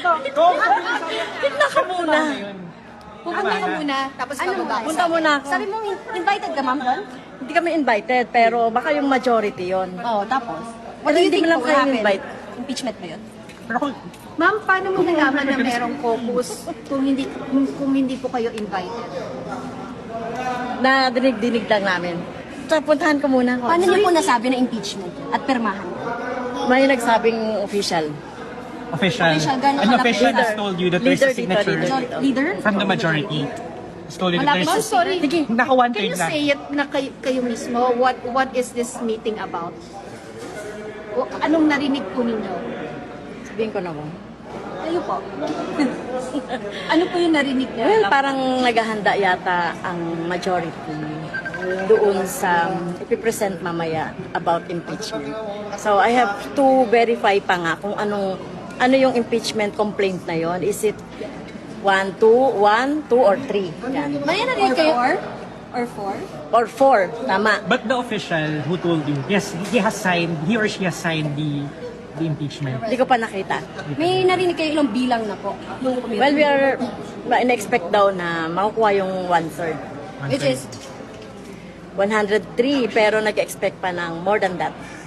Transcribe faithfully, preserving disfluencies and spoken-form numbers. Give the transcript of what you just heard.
Tignan ka muna. Pupunta ka muna, tapos Ano bababa ka Punta sa muna ako. Sabi mo, in- invited ka, ma'am, doon? Hindi kami invited, pero baka yung majority yon. Oo, tapos? What do you think will lang kayo happen? invite? Impeachment ba yun? Ma'am, paano mo nalaman na merong caucus kung hindi kung, kung hindi po kayo invited? Na dinig-dinig lang namin. So, puntahan ko muna. Paano niyo po nasabi na impeachment at permahan? May nagsabing official. Official. Official, gano'n An kalaki? official has Leader. told you that there's Leader a dito, signature leader. Major- Leader? from the majority. Has told you that Malapit there's sa sorry. Sige. Naka one Can third you lang. say it na kayo, kayo mismo? What what is this meeting about? O, anong narinig po ninyo? Sabihin ko na mo. Kayo po. Ano po yung narinig niyo? Well, parang naghahanda yata ang majority doon sa ipipresent mamaya about impeachment. So I have to verify pa nga kung anong ano yung impeachment complaint na yon. Is it one, two, one, two, or three? Yan. May narinig kayo? Or? Or four? Or four, tama. But the official who told you, yes, he has signed, he or she has signed the the impeachment. Hindi ko pa nakita. May narinig kayo ilang bilang na po? Nung committee? Well, we are in-expect daw na makukuha yung one-third. Which is, one hundred three, pero nag-expect pa ng more than that.